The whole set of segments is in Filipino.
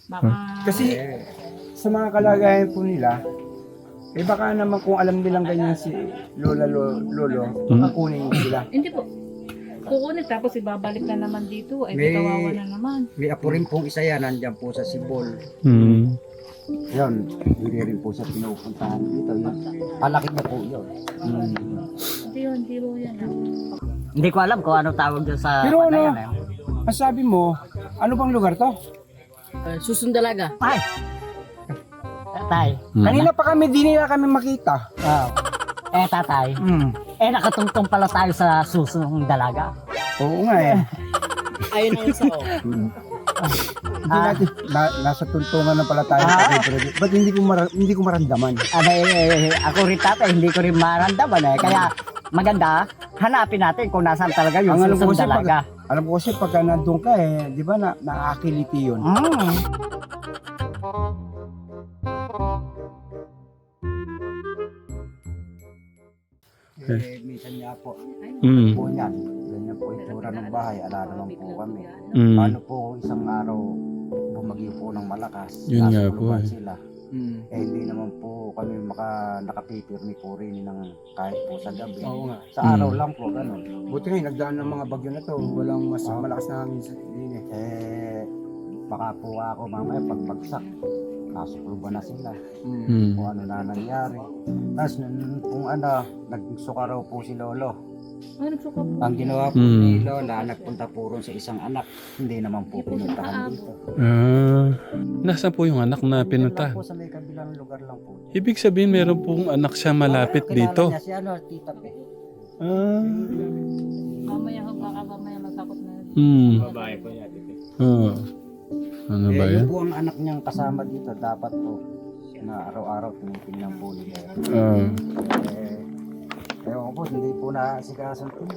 Baka... Kasi sa mga kalagayan po nila, baka naman kung alam nilang ganyan si Lolo, baka kunin sila. Hindi po. Kukunin tapos ibabalik na naman dito. Ay, May- kawawa na naman. May apo rin pong isa yan, nandyan po sa Sibol. Mm. Yun, hindi rin po siya pinupuntahan dito. Yun, palaki na po yun. Hindi po yan. Hindi ko alam kung ano tawag doon sa Pero ano, panayan eh. ang sabi mo, ano bang lugar to? Susundalaga. Tay. Tatay. Kanina pa kami, di nila kami makita. Oh. Tatay. Nakatungtong pala tayo sa susong dalaga. Oo nga eh. Ayun ang isa ko. Hindi natin, nasa tuntungan na pala tayo. Ba't hindi ko maramdaman? Ako rin tatay, hindi ko rin maramdaman eh. Kaya maganda, hanapin natin kung nasaan talaga yung Ang alam ko susong kasi dalaga. Alam ko kasi pagka nandun ka di ba nakakiliti yun? Minsan niya po, Mm. po niyan. Ganyan po itura ng bahay, ala naman po kami. Mm. Paano po isang araw bumagyo po ng malakas, Yun nga nasa po lugar eh. sila. Hindi naman po kami nakapipirmi po rin ng kahit po sa gabi. Oo nga. Sa araw lang po, ganun. Buti nga, nagdaan ng mga bagyo na to. Walang mas malakas na hangin sa linya. Baka po ako mamaya pagbagsak, nasukluban na sila. Mm. Kung ano na nangyari. Tapos kung nagsuka raw po si Lolo. Ano nagsuka po? Ang ginawa po ni Lola, nagpunta po ron sa isang anak. Hindi naman po pinuntahan dito. Nasaan po yung anak na Lang pinunta? po sa may kabilang lugar lang po. Ibig sabihin meron pong anak siya malapit Kilala dito. niya si Tita Pe. Mamaya baka mamaya matakot na. Babae po yan. Ano ba Yun yan? po ang anak niyang kasama dito. Dapat po na araw-araw tinitingnan po nila. Ewan ko po, hindi po nasikasan po.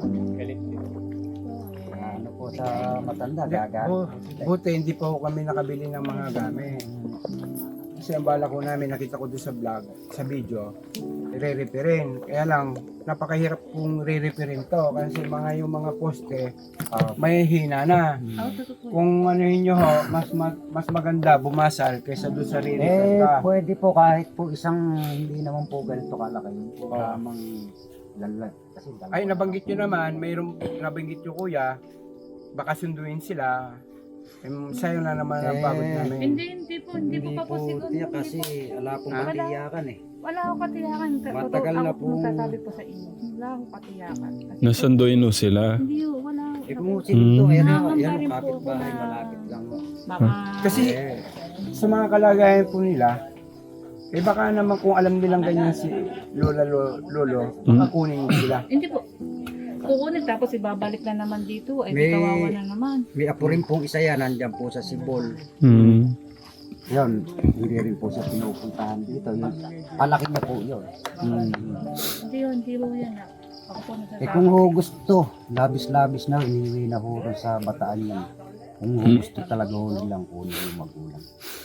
Ano po sa matanda, gagal. Buti hindi pa ako kami nakabili ng mga gamit. Kasi ang bala ko namin, nakita ko doon sa vlog, sa video, re-repairin. Kaya lang, napakahirap kong re-repairin to. Kasi yung mga poste, may hina na. Kung ano nyo ho, mas maganda bumasal kaysa doon sa re-repair ka. Pwede po kahit po isang hindi naman po ganito kalaki. Yun po lamang lalag. Kasi dalawa. Ay, nabanggit nyo naman, mayroong nabanggit nyo kuya, baka sunduin sila. Sa'yo na naman ang pagod namin. Hindi po pa po siguro. tiyak kasi wala pong katiyakan eh. Wala akong katiyakan. Matagal na Ako po. magsasabi po sa inyo. Wala akong katiyakan. Kasi Nasunduin mo sila. Hindi po, wala. Kung sino to, ayan Nakakamba o, rin po kapit ako bahay, na- malapit lang. Baka... Kasi sa mga kalagayan po nila, baka naman kung alam nilang ganyan si Lolo, baka kunin sila. Hindi po. Kukunin tapos ibabalik na naman dito. Ay, May- kawawa na naman. May apo rin pong isa yan, nandyan po sa Sibol. Mm. Yun, hindi rin po siya pinupuntahan dito. Yun, palaki na po yun. Hindi po yan. Ako po nagsasabi. Kung gusto, labis-labis na, iniwi na ho rin sa bataan yan. Kung gusto talaga ho nilang kunin yung magulang.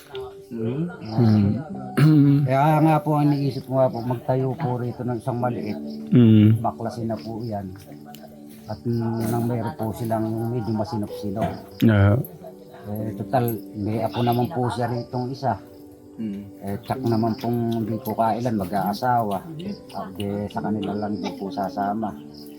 Kaya nga po, ang iniisip ko nga po, magtayo po rito ng isang maliit. Baklasin na po yan. At nang mayroon po silang medyo masinop-sinop. Total, may apo naman po siya ritong isa. Tsak naman pong hindi po kailan mag-aasawa. At sa kanila lang din po sasama.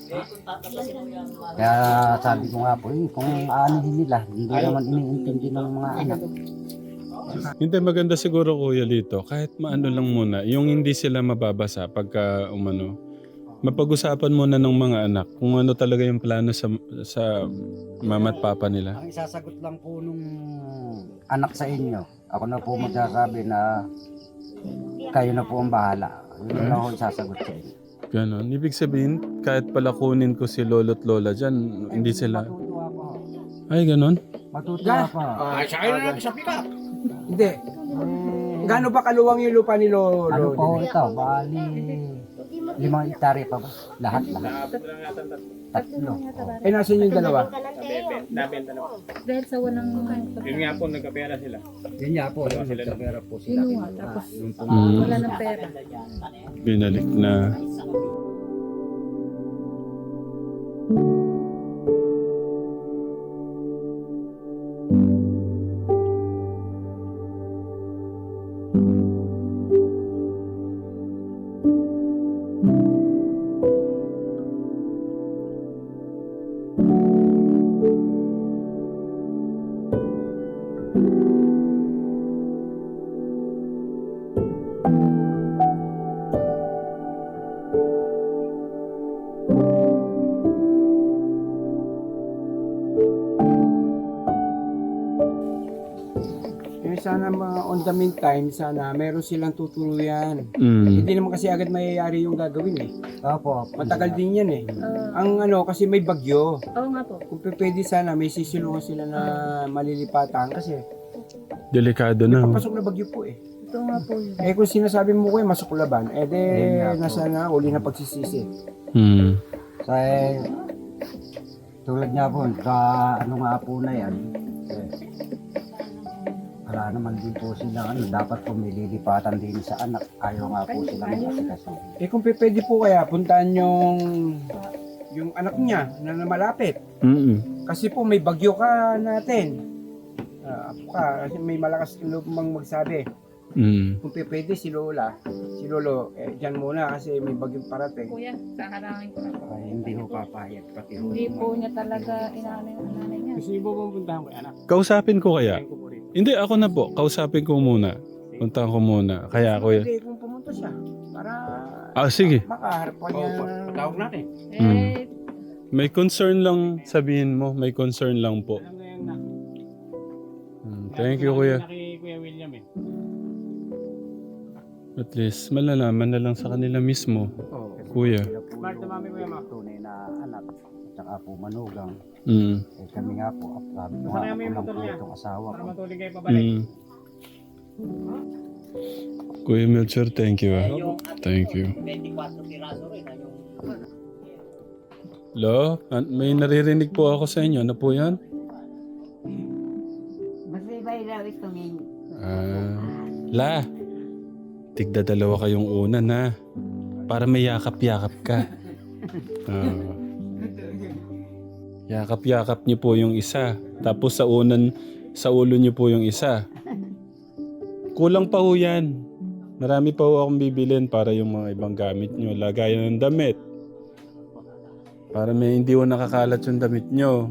Kaya sabi ko nga po, kung aanihin nila, hindi naman iniintindi ng mga anak. Hindi, maganda siguro kuya dito. Kahit maano lang muna. Yung hindi sila mababasa pagka umano. Mapag-usapan muna ng mga anak kung ano talaga yung plano sa mama at papa nila. Ang isasagot lang po nung anak sa inyo, ako na po magsasabi na kayo na po ang bahala. Yun na ako isasagot sa inyo. Ganon. Ibig sabihin, kahit pala kunin ko si lolo't lola dyan, hindi sila... Matutuwa po. Ay, ganon? Matutuwa pa. Ay, sa na lang sa pick-up. Hindi. Gaano ba kaluwang yung lupa ni Lolo? Ano po ito? Bali, 5 hektarya pa ba? Lahat. Tatlo. Nasaan yung dalawa? Dahil sa walang... Yun nga po, nagkapera sila. Yun nga po, nagkapera po sila. Inuha, tapos Yung po, wala ng pera. Binalik na. Eh, sana on the meantime, sana meron silang tutuluyan. Mm. Hindi naman kasi agad mayayari yung gagawin eh. Opo. Matagal din yan eh. Ah, Ang kasi may bagyo. oo nga po. Kung pwede sana, may sisilungan sila na malilipatan kasi Delikado na. papasok na bagyo po eh. Ito nga po yun. Eh kung sinasabi mo ko eh, masuklaban, eh de, Yun nga po. nasa na, uli na pagsisisi. Mm. Sa tulad nga po, sa ano nga po na yan, wala naman din po sila, dapat po may lilipatan din sa anak. Ayaw nga po sila mag-asikaso. Eh kung pwede po kaya, puntahan yung anak niya na malapit. Mm. Kasi po may bagyo ka natin. Apo ka, kasi may malakas loob mang magsabi. Mm. Kung pwede si Lola, si Lolo, dyan muna kasi may bagyong parating. Kuya, saharangin ko na po. Ay, hindi ho papayag. Pati ho Hindi yung po mga- niya talaga inaano yung nanay niya. Gusto niyo po bang puntahan ko yung anak? Kausapin ko kaya? Kain ko po rito. Hindi, ako na po. Kausapin ko muna. Puntahan ko muna. Kaya kuya. Pwede kung pumunta siya para Sige. makaharap pa niya. Patawag natin. Eh, May concern lang sabihin mo. May concern lang po. Alam na yan na. Thank you kuya. Kay Kuya William eh. At least malalaman na lang sa kanila mismo. Oo. Kuya. Sila po Smart na yung mami Kuya Ma. tunay na anak. At saka po manugang. Mm. Eh, kami nga po, sabi ko Baka nga, na ako may lang motor po niya. itong asawa Para ko. matuloy kayo pabalik. Mm. Kuya Melchor, thank you. Thank you. 24 piraso rin. Lo, may naririnig po ako sa inyo. Ano po yan? Masibay daw itong La, tigda dalawa kayong una na. Para may yakap-yakap ka. Yakap-yakap niyo po yung isa. Tapos sa ulo niyo po yung isa. Kulang pa ho yan. Marami pa ho akong bibilin para yung mga ibang gamit niyo. Lagayan ng damit. Para may hindi ho nakakalat yung damit niyo.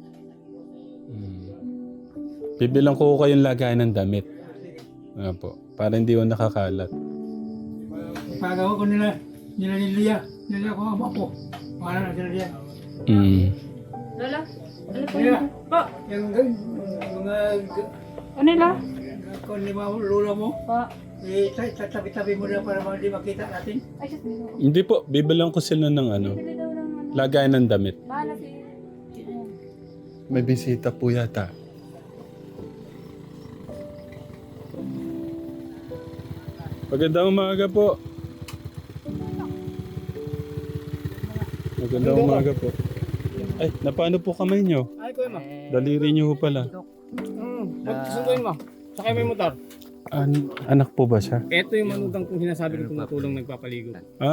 Bibilang ko kayong lagayan ng damit. Po, para hindi ho nakakalat. Pagawa ko nila Lilia ko ang ako. Para na sila diyan. Lola, ano po Kuya. yun? Po, Yung mga ano la? kung lima lula mo, Po, tatabi-tabi mo na para hindi makita natin. ay, just nilo. Hindi po, bibilang ko sila ng Bili daw ng ano. lagayan ng damit. Bahala si... May bisita po yata. Magandang umaga po. Magandang umaga po. Ay, napano po kamay nyo? Ay Kuya Ma. Daliri nyo ho pala. Susunduin mo. Sakay mo yung motor. Anak po ba siya? Ito yung manugang kong sinasabi ko tumutulong nagpapaligo.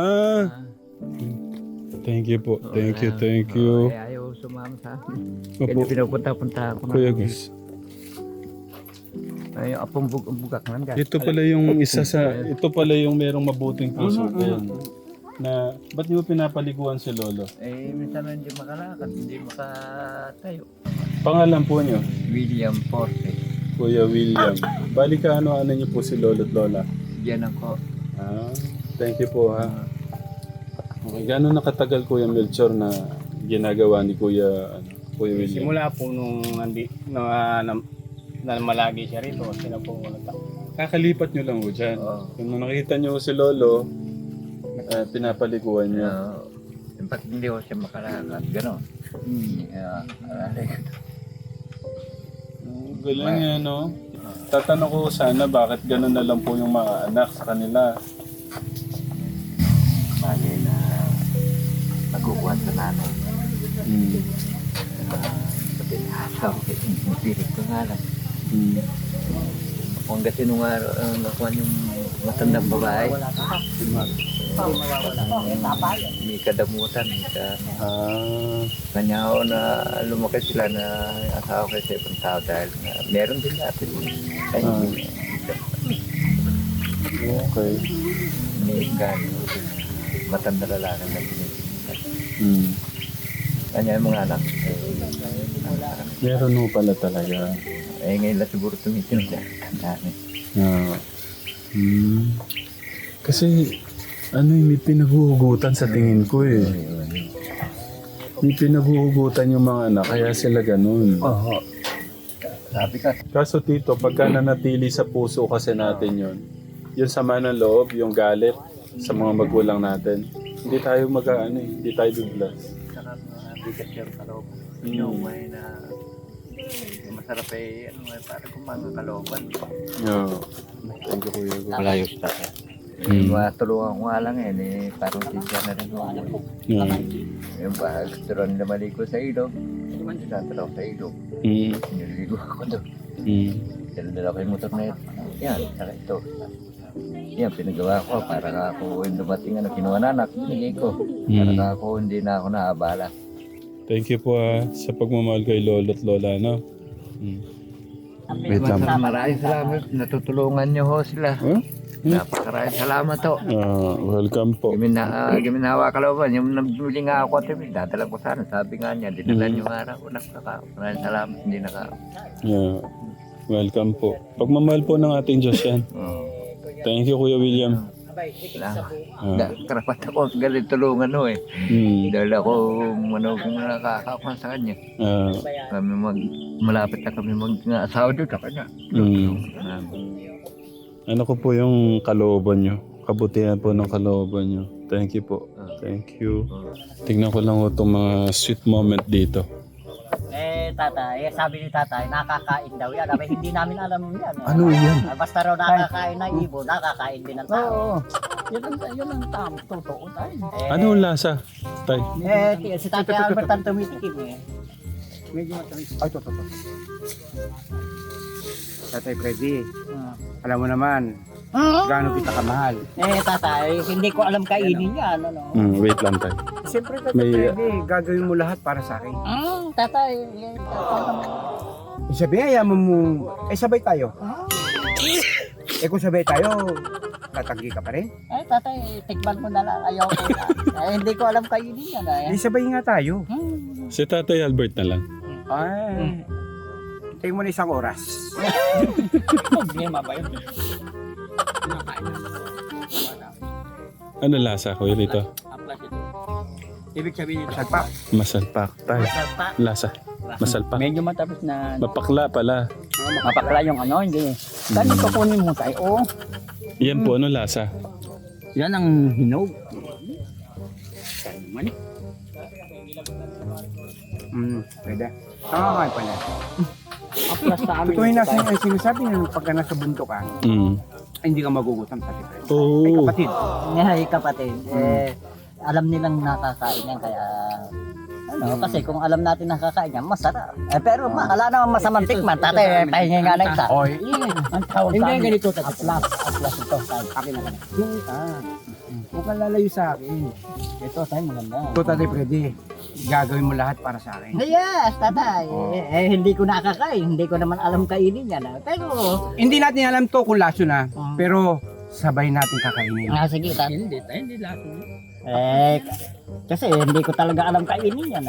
Thank you po. Thank you. ayaw sumama sa akin. Opo, Kaya pinapunta-punta ako. Kuya Gus. Ay, apong bugak man guys. Ito pala yung ito pala yung merong mabuting puso din. Na, ba't niyo pinapaliguan si Lolo? Eh, minsan hindi makalakad, hindi makatayo. Pangalan po niyo? William Forte. Kuya William. Bali ka ano niyo po si Lolo at Lola? Yan ako. Thank you po ha. Okay, gano'n nakatagal Kuya Melchor na ginagawa ni Kuya William? Simula po nung na malagi siya rito. Sila po Kakalipat nyo lang ho dyan. Oo. Kung nakita nyo si Lolo, pinapaliguan niya. Bakit hindi ko siya makalakad, gano'n. Galing yan, no? Tatanong ko sana bakit gano'n na lang po yung mga anak sa kanila. Bagay na nagkukuhan sa nanay. Sabi na, sabi, pilit ko nga lang. Kung kasi nung nakuha yung matandang babae, may kadamutan. Kanya ako na lumaki sila na asawa ko sa ibang tao dahil meron din natin. Okay. May matanda lalaki na binibigyan. Kanya yung mga anak. Meron ho pala talaga. Ngayon lang siguro tumitin siya. Kasi may pinaguhugutan sa tingin ko eh. May pinaguhugutan yung mga anak kaya sila ganun. Sabi ka, Kaso tito, pagka nanatili sa puso kasi natin yun, yung sama ng loob, yung galit sa mga magulang natin, hindi tayo hindi tayo biblas. Saka bigat yung kaloob. Yung may na masarap para kumanga kalooban. Yeah. Thank you, Kuya Gus. malayos na. Matulungan ko nga lang parang siya na rin ako. Yeah. Yung ba, gusto rin na maligo sa ilog. Tinatalaw sa ilog. Nililigo ako doon. Dala-dala ko yung motor na yun. Yan, saka ito. Yan, pinagawa ko para nga ako yung dumating kinuha na anak, binigay ko. Para nga ako hindi na ako naabala. Thank you po sa pagmamahal kay Lolo at Lola, no? Wait lang. Maraming salamat. Natutulungan niyo ho sila. Huh? Napakaraming salamat ho. Welcome po. Giminawa kalooban. Yung nabili nga ako at dadala ko sana. Sabi nga niya, dinala niyo nga ako. Maraming salamat. Hindi nakao. Yeah. Welcome po. Pagmamahal po ng ating Diyos yan. Thank you, Kuya William. Karapat ako galit tulungan ho Dahil ako kung nakakakuha sa kanya. Kami malapit na kami mag-asawa doon sa kanya. Ano ko po yung kalooban nyo? Kabutihan po ng kalooban nyo. Thank you po. Thank you. Tingnan ko lang po itong mga sweet moment dito. Tatay, sabi ni tatay, nakakain daw yan. Abay, hindi namin alam yan. Ano yan? Basta raw nakakain na ibo, nakakain din ng tao. Yun ang tama, totoo tayo. Ano ang lasa, Tay? Si tatay Albert ang tumitikim Medyo matamis. Ay, ito. Tatay Freddy, alam mo naman, gaano kita kamahal. Tatay, hindi ko alam kainin yan. Wait lang, Tay. Siyempre, Tatay Freddy, gagawin mo lahat para sa akin. Tatay, Sabi, ayaman mo, sabay tayo. Kung sabay tayo, tatanggi ka pa rin. tatay, tikman mo na lang. Ayaw ko na. Hindi ko alam kainin yan. Di sabay nga tayo. Si Tatay Albert na lang. Ay, tingin mo na isang oras. Problema ba yun? Ano lasa, Kuya Rito? Ibig sabihin nito, sagpa. Masalpak, Tay. Lasa. Masalpak. Medyo matapos na Mapakla pala. mapakla yung hindi. Ganito kunin mo tayo. Yan po, ano lasa? Yan ang hinog. Pwede. Tama ka pala. Aplas sa amin. Totoo yung sinasabi nyo pagka nasa bundok ka, hindi ka magugutom sa tipre. Oo. Ay kapatid. Kapatid, alam nilang nakakain yan kaya kasi kung alam natin nakakain yan, masarap. Pero wala naman masamang tikman. Tatay, pahingi nga na isa. Oy. Ang tawag sa amin. ganito. Aplas ito. Akin na lang. Huwag kang lalayo sa akin. Ito, tayo maganda. Ito, Tatay Freddy, gagawin mo lahat para sa akin. Yes, tatay. Hindi ko nakakain. Hindi ko naman alam kainin yan. Pero, Hindi natin alam to kung laso na, pero sabay natin kakainin. sige, tatay. Hindi lahat. Kasi hindi ko talaga alam kainin yan.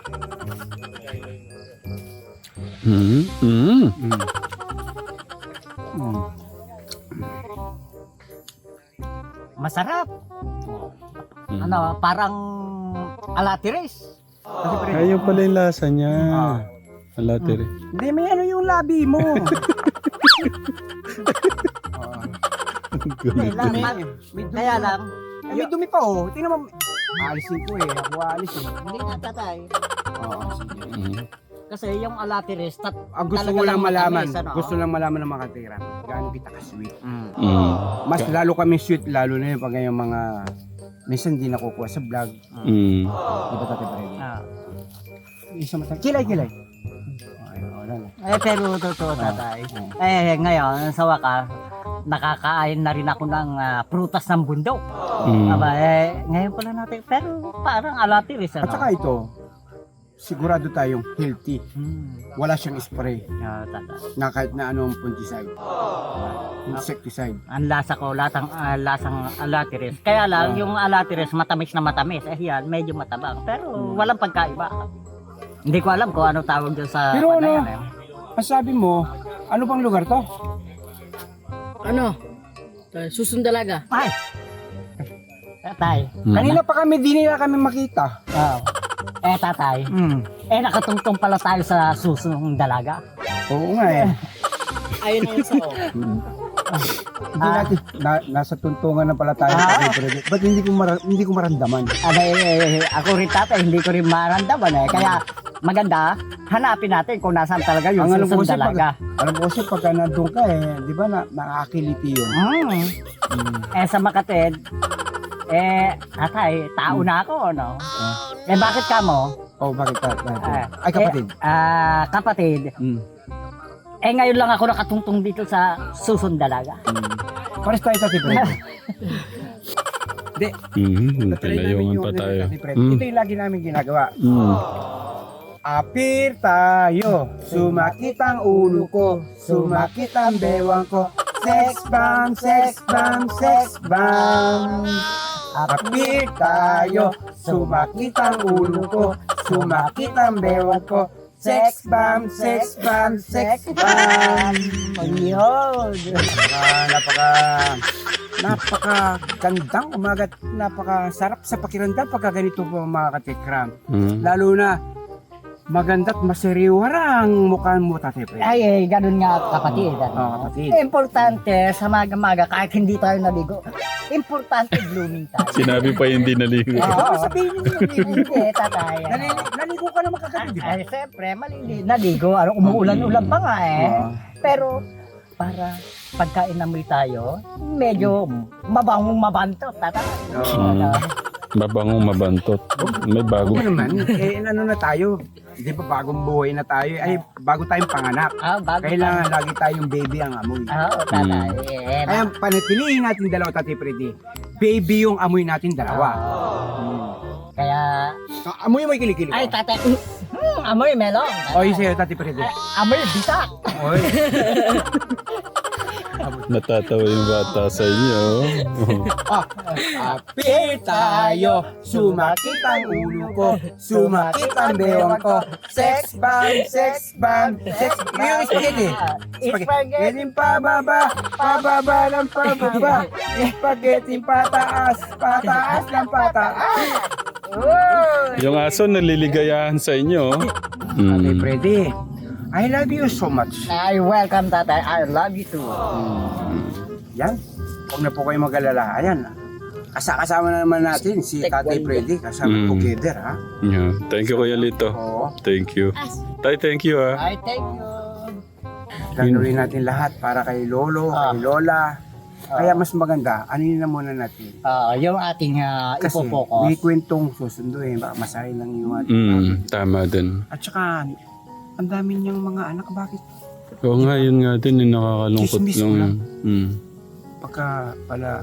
Masarap. Parang alatires. Ayun pala yung lasa niya. Alatiri. Hindi, may ano yung labi mo. Kaya lang, May dumi pa Tingnan mo. Alisin ko Ako alis hindi na tatay. Kasi yung alatires, Gusto talaga ko lang lang malaman. matamis, Gusto lang malaman ng mga katira. Gaano kita ka-sweet. Mm. Mas lalo kami sweet, lalo na yung pag yung mga minsan di nakukuha sa vlog. Mm. Di ba Tatay Freddy? Isa matang. Kilay. Wala na. pero totoo tatay. Ngayon, sa wakas, nakakain na rin ako ng prutas ng bundok. Ngayon pala natin, pero parang alatires. At saka ito, sigurado tayong healthy. Wala siyang spray na kahit na anong fungicide. Insecticide. Ang lasa ko, lasang alatires. Kaya lang, yung alatires matamis na matamis. Yan, medyo matabang. Pero walang pagkaiba. Hindi ko alam kung ano tawag doon sa... Pero ano, ang sabi mo, ano bang lugar to? Susundalaga. Ay! Tatay. Kanina pa kami, di nila kami makita. Tatay. Nakatungtong pala tayo sa susong dalaga. Oo nga eh. Ayun na yung sao. Hindi natin, nasa tuntungan na pala tayo. Ba't hindi ko maramdaman? Ako rin tatay, hindi ko rin maramdaman eh. Kaya maganda, hanapin natin kung nasaan talaga yung Ang alam ko susunod kasi dalaga. Alam ko kasi pagka nandun ka eh, di ba nakakiliti yun? Sa Makatid, tatay, tao na ako, no? Bakit ka mo? Bakit ka? Ay, kapatid. Kapatid, ngayon lang ako nakatungtong dito sa susunod dalaga. Pares tayo Tati Fred. Pinayungan pa tayo. Ito yung lagi namin ginagawa. Apir tayo, sumakit ang ulo ko, sumakit ang bewang ko. Sex bomb, sex bomb, sex bomb. Apir tayo, sumakit ang ulo ko, sumakit ang bewang ko. Sex bomb, sex bomb, sex bomb. Ayun. Napakagandang umaga, napakasarap sa pakiramdam pagka ganito po mga katikram. Lalo na maganda't masiriwara ang mukha mo, Tatay Fred. Ay, ganun nga kapatid. Kapatid. Importante sa maga-maga kahit hindi tayo naligo. Importante blooming tayo. Sinabi pa hindi naligo. Oo, sabihin niyo hindi, tatay. Naligo ka naman kagabi, di ba? Ay, siyempre, naligo. Umuulan-ulan pa nga eh. Pero, para pagka inamoy tayo, medyo mabangong mabantot, tatay. Mabangong mabantot. May bago. Oo naman, ano na tayo? Di ba bagong buhay na tayo? Ay, bago tayong panganak. Kailangan lagi tayong baby ang amoy. Oo, tatay. Kaya panatilihin natin dalawa, Tati Freddy. Baby yung amoy natin dalawa. Kaya, Amoy mo yung kilikili ko. ay, tatay. Amoy melon. Oy, sa'yo, Tati Freddy. Amoy bitak. Oy. Natatawa yung bata sa inyo. Apir tayo, sumakit ang ulo ko, sumakit ang bewang ko. Sex bomb, sex bomb, sex bomb. Yung spaghetti. Spaghetti pababa, pababa ng pababa. Spaghetti pataas, pataas ng pataas. Yung aso naliligayahan sa inyo. Tati Freddy, I love you so much. Ay, welcome, tatay. I love you too. Yan, huwag na po kayo mag-alala. Ayan, kasama na naman natin si Tatay Freddy kasama together, ha? Yeah. Thank you, Kuya Lito. Oo. Thank you. Tay, thank you ah. Ay, thank you. Gagawin natin lahat para kay Lolo, kay Lola. Kaya mas maganda, anin na muna natin. Yung ating Kasi ipopokus. may kwentong susunduin, baka masahin lang yung ating Tama din. At saka, ang dami niyang mga anak, bakit? Oo nga, yun nga din, yung nakakalungkot Chismis lang. lang. Mm. Pagka pala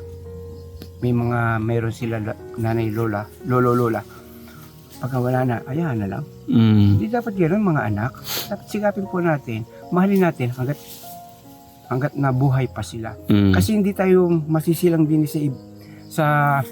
meron sila nanay Lola, Lola. Pagka wala na, ayahan na lang. Hindi dapat gano'n mga anak. Dapat sigapin po natin, mahalin natin hanggat nabuhay pa sila. Kasi hindi tayo masisilang din sa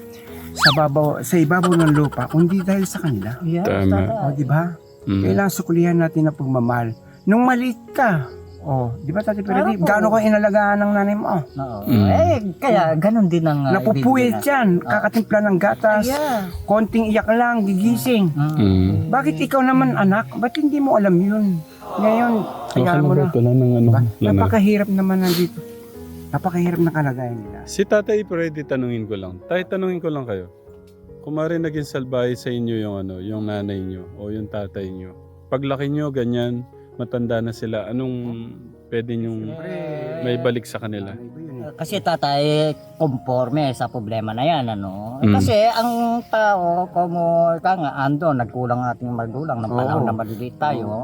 ibabaw ng lupa, kundi dahil sa kanila. Yes, Tama. O, di ba? Kailangan sukulihan natin ang pagmamahal. Nung maliit ka, di ba Tati Freddy, gaano ka inalagaan ng nanay mo? Kaya ganun din ang Napupuyat yan, kakatimpla ng gatas, konting iyak lang, gigising. Bakit ikaw naman anak, ba't hindi mo alam yun? Ngayon, kaya mo na. Ito lang ng ano. Napakahirap naman nandito. Napakahirap na kalagayan nila. Si Tatay Freddy, tanungin ko lang. Tanungin ko lang kayo. Kumari naging salbahe sa inyo yung nanay nyo o yung tatay nyo. Paglaki nyo, ganyan, matanda na sila, anong pwede nyong may balik sa kanila? Kasi tatay, conforme sa problema na yan, ano? Kasi ang tao, ando, nagkulang ating magulang ng panahon na maliliit tayo.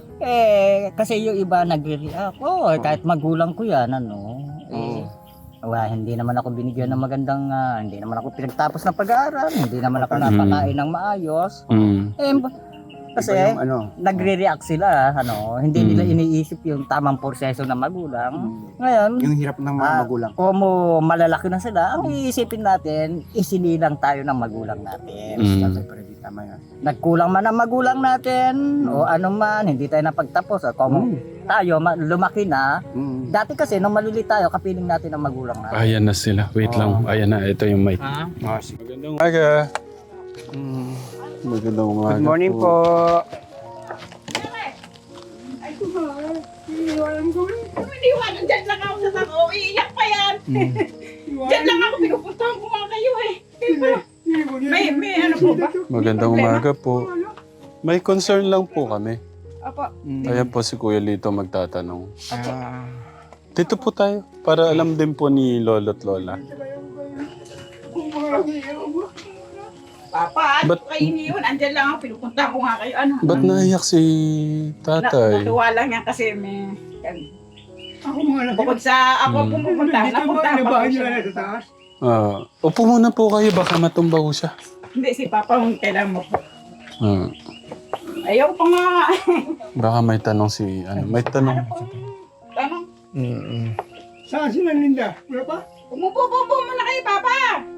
Kasi yung iba nagre-react, kahit magulang ko yan, ano? Hindi naman ako binigyan ng magandang, hindi naman ako pinagtapos ng pag-aaral, hindi naman ako napakain ng maayos. Kasi nagre-react sila, hindi nila iniisip yung tamang proseso ng magulang. Ngayon, Yung hirap ng mga magulang. kung malalaki na sila, ang iisipin natin, isinilang tayo ng magulang natin. Tatay Freddy, tama yan. Nagkulang man ang magulang natin, o ano man, hindi tayo napagtapos. O kung tayo lumaki na, dati kasi nung maliliit tayo, kapiling natin ang magulang natin. Ayan na sila. Wait lang. Ayan na. Ito yung mic. Magandang umaga. Magandang umaga. Good morning po. alam ko. Hindi ko alam, dyan lang ako sa sako. Iiyak pa yan. Dyan lang ako, pinupuntahan ko nga kayo eh. May ano po ba? Magandang umaga po. May concern lang po kami. Apo. Ayan po si Kuya Lito magtatanong. Dito po tayo para alam din po ni Lolo at Lola. Papa, ano Ba't- kayo iniwan? Andyan lang ako, pinupuntahan ko nga kayo. Ano? Ba't naiyak si tatay? Natuwa lang yan kasi may... Ako mga laki. Bukod sa ako pumupunta, napuntahan pa ko siya. Sa taas. Upo muna po kayo, baka matumba ko siya. Hindi, si Papa kung kailan mo po. Ah, Ayaw pa nga. baka may tanong si... may tanong. Ano? Saan sila Linda? Wala pa? Umupo muna kayo, Papa.